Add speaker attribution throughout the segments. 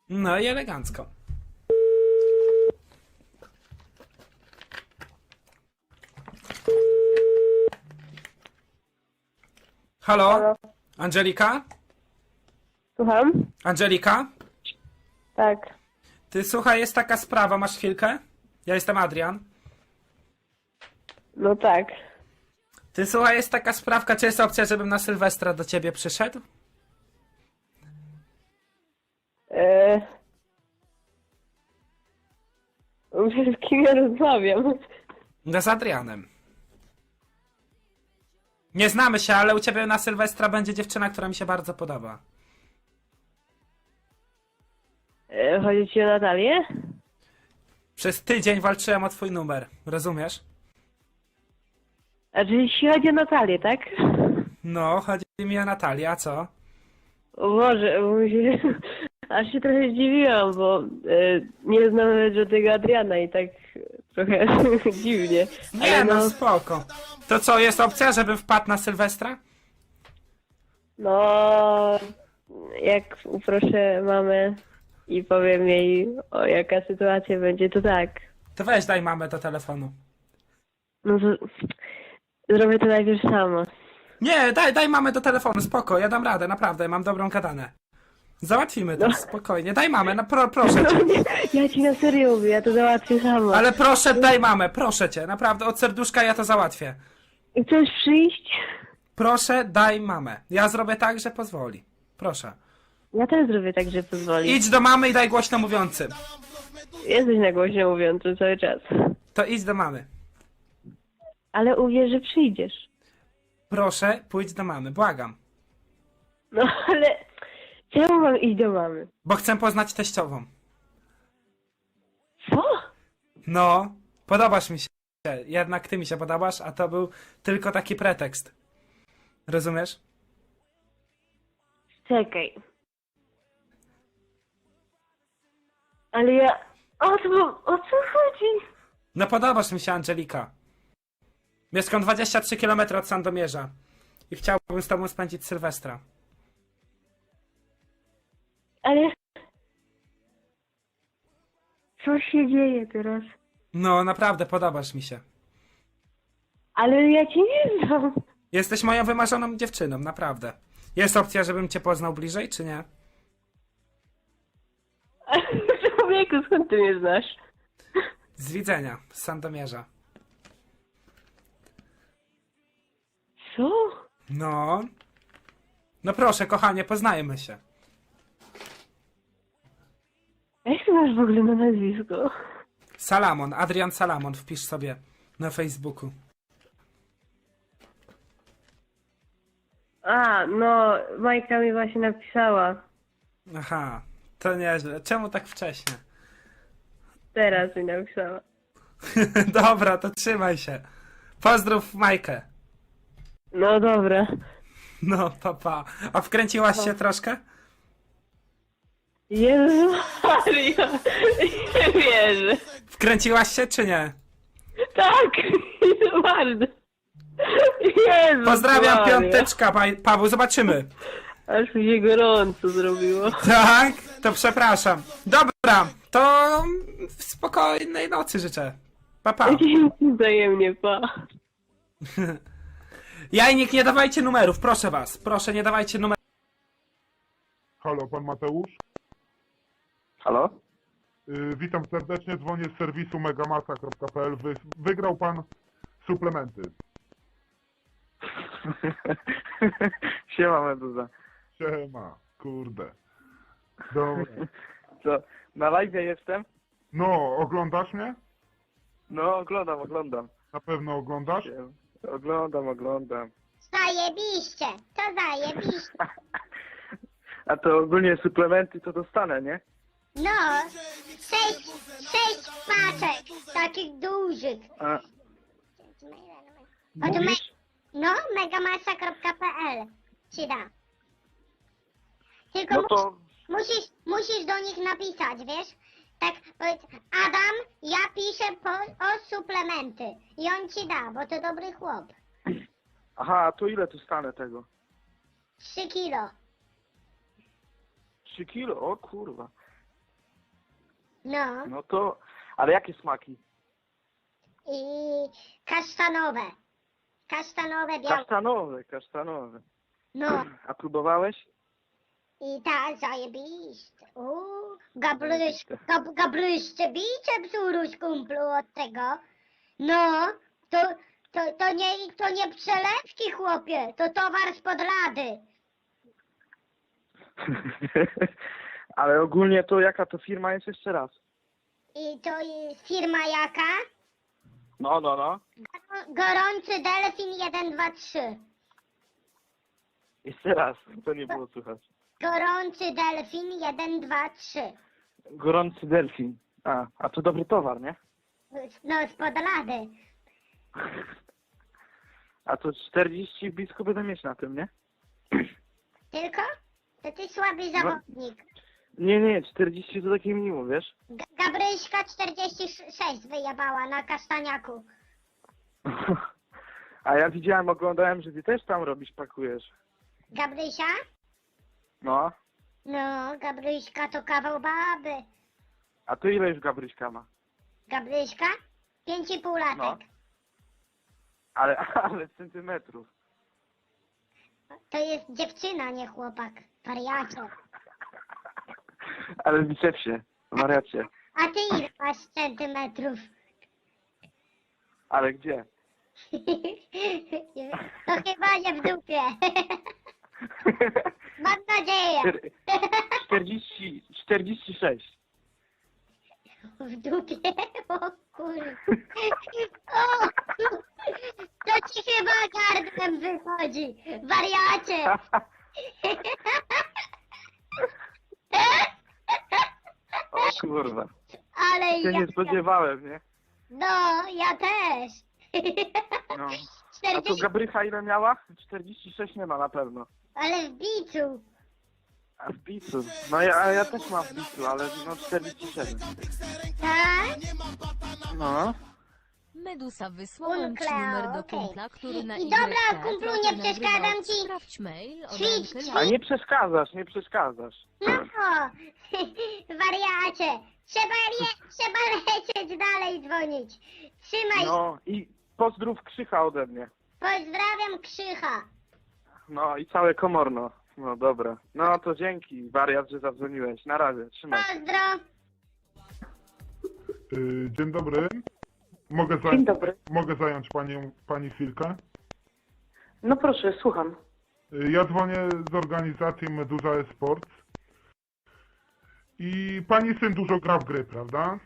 Speaker 1: No i elegancko. Halo?
Speaker 2: Halo.
Speaker 1: Angelika?
Speaker 2: Słucham?
Speaker 1: Angelika?
Speaker 2: Tak.
Speaker 1: Ty słuchaj, jest taka sprawa, masz chwilkę? Ja jestem Adrian.
Speaker 2: No tak.
Speaker 1: Ty słuchaj, jest taka sprawka, czy jest opcja, żebym na Sylwestra do ciebie przyszedł?
Speaker 2: Eee... Z kim ja rozmawiam?
Speaker 1: No z Adrianem. Nie znamy się, ale u ciebie na Sylwestra będzie dziewczyna, która mi się bardzo podoba.
Speaker 2: Chodzi ci o Natalię?
Speaker 1: Przez tydzień walczyłem o twój numer, rozumiesz?
Speaker 2: A czyli jeśli chodzi o Natalię, tak?
Speaker 1: No, chodzi mi o Natalię, a co?
Speaker 2: O Boże, bo się... aż się trochę zdziwiłam, bo nie znam nawet żadnego Adriana i tak trochę dziwnie.
Speaker 1: Nie,
Speaker 2: Ale
Speaker 1: no spoko. To co, jest opcja, żebym wpadł na Sylwestra?
Speaker 2: no, jak uproszę mamę i powiem jej, o jaka sytuacja będzie, to tak.
Speaker 1: To weź daj mamę do telefonu.
Speaker 2: No to zrobię to najpierw sama.
Speaker 1: Nie, daj mamę do telefonu, spoko, ja dam radę, naprawdę, mam dobrą gadanę. Załatwimy to, spokojnie, daj mamę, no proszę cię.
Speaker 2: No nie, ja ci na serio mówię, ja to załatwię sama.
Speaker 1: Ale proszę, daj mamę, proszę cię, naprawdę, od serduszka ja to załatwię.
Speaker 2: Chcesz przyjść?
Speaker 1: Proszę, daj mamę. Ja zrobię tak, że pozwoli. Proszę.
Speaker 2: Ja też zrobię tak, że pozwoli.
Speaker 1: Idź do mamy i daj głośno mówiący.
Speaker 2: Jesteś na głośno mówiący cały czas.
Speaker 1: To idź do mamy.
Speaker 2: Ale uwierz, że przyjdziesz.
Speaker 1: Proszę, pójdź do mamy, błagam.
Speaker 2: No ale czemu mam iść do mamy?
Speaker 1: Bo chcę poznać teściową.
Speaker 2: Co?
Speaker 1: No, podobasz mi się. Jednak ty mi się podobasz, a to był tylko taki pretekst. Rozumiesz?
Speaker 2: Czekaj. Ale ja... O co chodzi?
Speaker 1: No podobasz mi się, Angelika. Mieszkam 23 km od Sandomierza. I chciałbym z tobą spędzić Sylwestra.
Speaker 2: Ale... Co się dzieje teraz?
Speaker 1: No, naprawdę, podobasz mi się.
Speaker 2: Ale ja cię nie znam.
Speaker 1: Jesteś moją wymarzoną dziewczyną, naprawdę. Jest opcja, żebym cię poznał bliżej, czy nie?
Speaker 2: Człowieku, skąd ty mnie znasz?
Speaker 1: Z widzenia, z Sandomierza.
Speaker 2: Co?
Speaker 1: No. No proszę, kochanie, poznajmy się.
Speaker 2: Jak ty masz w ogóle na nazwisko?
Speaker 1: Salamon, Adrian Salamon, wpisz sobie na Facebooku.
Speaker 2: A, no, Majka mi właśnie napisała.
Speaker 1: Aha, to nieźle. Czemu tak wcześnie?
Speaker 2: Teraz mi napisała.
Speaker 1: Dobra, to trzymaj się. Pozdrów Majkę.
Speaker 2: No dobra.
Speaker 1: No, papa. A wkręciłaś się troszkę?
Speaker 2: Jezu Maria, nie wierzę.
Speaker 1: Wkręciłaś się, czy nie?
Speaker 2: Tak, bardzo. Jezu
Speaker 1: Pozdrawiam,
Speaker 2: Maria.
Speaker 1: piąteczka, Paweł, zobaczymy.
Speaker 2: Aż mi się gorąco zrobiło.
Speaker 1: Tak? To przepraszam. Dobra, to w spokojnej nocy życzę. Pa.
Speaker 2: Dzięki wzajemnie, pa.
Speaker 1: Jajnik, nie dawajcie numerów, proszę was. Proszę, nie dawajcie numerów.
Speaker 3: Halo, pan Mateusz?
Speaker 4: Halo?
Speaker 3: Witam serdecznie, dzwonię z serwisu megamasa.pl. Wygrał pan suplementy.
Speaker 4: Siema Meduza.
Speaker 3: Siema, kurde. Dobra.
Speaker 4: Co, na live jestem?
Speaker 3: No, oglądasz mnie?
Speaker 4: No, oglądam.
Speaker 3: Na pewno oglądasz?
Speaker 4: Oglądam.
Speaker 5: Zajebiście, to zajebiście.
Speaker 4: A to ogólnie suplementy to dostanę, nie?
Speaker 5: No, sześć paczek, takich dużych.
Speaker 4: A,
Speaker 5: Od
Speaker 4: mówisz?
Speaker 5: no, megamasa.pl ci da. Tylko
Speaker 4: No to,
Speaker 5: musisz do nich napisać, wiesz? Tak, powiedz, Adam, ja piszę o suplementy. I on ci da, bo to dobry chłop.
Speaker 4: aha, to ile tu stanę tego?
Speaker 5: 3 kilo.
Speaker 4: 3 kilo? O kurwa.
Speaker 5: No.
Speaker 4: No to... Ale jakie smaki?
Speaker 5: I kasztanowe. Kasztanowe, białe.
Speaker 4: Kasztanowe, kasztanowe.
Speaker 5: No.
Speaker 4: A próbowałeś?
Speaker 5: I tak, zajebiście. Gabryście biceps urósł kumplu od tego. No, to nie przelewki, chłopie, to towar spod lady.
Speaker 4: Ale ogólnie to jaka to firma jest jeszcze raz?
Speaker 5: I to jest firma jaka?
Speaker 4: No.
Speaker 5: Gorący Delfin 1, 2, 3.
Speaker 4: Jeszcze raz, to nie było słychać.
Speaker 5: Gorący Delfin 1, 2, 3.
Speaker 4: Gorący delfin. A to dobry towar, nie?
Speaker 5: No, spod lady.
Speaker 4: A to 40 blisko będę mieć na tym, nie?
Speaker 5: Tylko? To ty słaby zawodnik.
Speaker 4: Nie, 40 to takie minimum, wiesz?
Speaker 5: Gabryśka 46 wyjebała na kasztaniaku.
Speaker 4: A ja widziałem, oglądałem, że ty też tam robisz, pakujesz.
Speaker 5: Gabrysia?
Speaker 4: No.
Speaker 5: No, Gabryśka to kawał baby.
Speaker 4: A to ile już Gabryśka ma?
Speaker 5: Gabryśka? 5,5 latek.
Speaker 4: No. Ale centymetrów.
Speaker 5: To jest dziewczyna, nie chłopak. Wariacie.
Speaker 4: Ale w bicepsie, wariacie.
Speaker 5: A ty ile masz centymetrów?
Speaker 4: Ale gdzie?
Speaker 5: To chyba nie w dupie. Mam nadzieję.
Speaker 4: 46.
Speaker 5: W dupie? O kurde. O, to ci chyba gardłem wychodzi. Wariacie.
Speaker 4: O kurwa.
Speaker 5: Ale
Speaker 4: Się
Speaker 5: ja...
Speaker 4: nie spodziewałem, nie?
Speaker 5: No, ja też.
Speaker 4: No. A to
Speaker 5: 40...
Speaker 4: Gabrycha ile miała? 46 nie ma na pewno.
Speaker 5: Ale w bicu.
Speaker 4: A w bicu? No ja też mam w bicu, ale no 47.
Speaker 5: Tak?
Speaker 4: No.
Speaker 6: Medusa, wysłałem ci
Speaker 5: Kunklea,
Speaker 6: numer do
Speaker 5: okej.
Speaker 6: kumpla, który na
Speaker 5: I dobra,
Speaker 6: YT
Speaker 5: kumplu,
Speaker 6: trochę
Speaker 5: nie
Speaker 6: nagrywał.
Speaker 5: przeszkadzam ci.
Speaker 6: Sprawdź mail od
Speaker 5: Ćwicz,
Speaker 6: Ankę.
Speaker 4: A nie przeszkadzasz.
Speaker 5: No, wariacie. Trzeba lecieć dalej dzwonić. Trzymaj.
Speaker 4: No i pozdrów Krzycha ode mnie.
Speaker 5: Pozdrawiam Krzycha.
Speaker 4: No i całe Komorno. No dobra. No to dzięki, wariat, że zadzwoniłeś. Na razie, trzymaj.
Speaker 5: Pozdro.
Speaker 3: Dzień dobry.
Speaker 7: Dzień dobry.
Speaker 3: Mogę zająć pani chwilkę?
Speaker 7: No proszę, słucham.
Speaker 3: Ja dzwonię z organizacji Meduza Esports. I pani syn dużo gra w gry, prawda?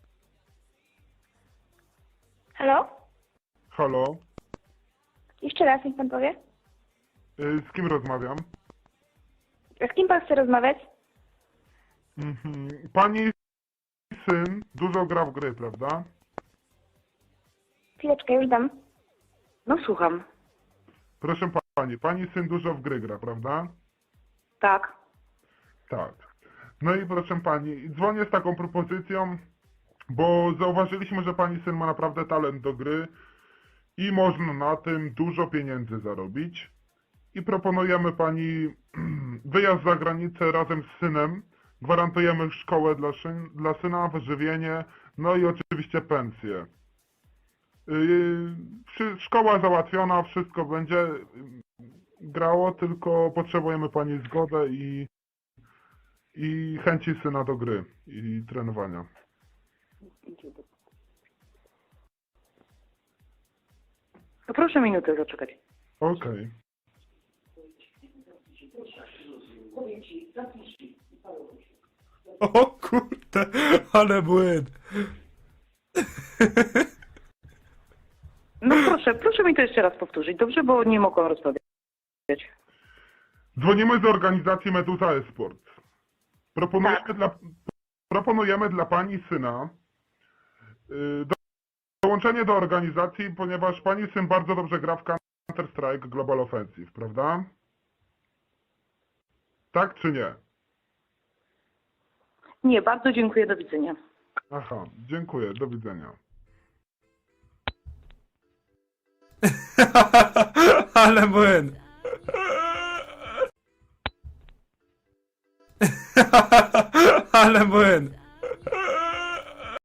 Speaker 8: Halo?
Speaker 3: Halo?
Speaker 8: Jeszcze raz, niech pan powie.
Speaker 3: Z kim rozmawiam?
Speaker 8: Z kim pan chce rozmawiać?
Speaker 3: Pani syn dużo gra w gry, prawda?
Speaker 8: Chwileczkę, już dam.
Speaker 7: No słucham.
Speaker 3: Proszę pani syn dużo w gry gra, prawda?
Speaker 7: Tak.
Speaker 3: Tak. No i proszę pani, dzwonię z taką propozycją, bo zauważyliśmy, że pani syn ma naprawdę talent do gry i można na tym dużo pieniędzy zarobić. I proponujemy pani wyjazd za granicę razem z synem. Gwarantujemy szkołę dla syna, wyżywienie, no i oczywiście pensję. Szkoła załatwiona, wszystko będzie grało, tylko potrzebujemy pani zgodę i chęci syna do gry i trenowania.
Speaker 7: No proszę minutę zaczekać.
Speaker 3: Okej.
Speaker 1: O kurde, ale błęd.
Speaker 7: No proszę mi to jeszcze raz powtórzyć, dobrze? Bo nie mogłam rozmawiać.
Speaker 3: Dzwonimy z organizacji Meduza Esports. Proponujemy dla pani syna dołączenie do organizacji, ponieważ pani syn bardzo dobrze gra w Counter-Strike Global Offensive, prawda? Tak czy nie?
Speaker 7: Nie, bardzo dziękuję, do widzenia.
Speaker 3: Aha, dziękuję, do widzenia.
Speaker 1: Ale błęd. Ale błęd.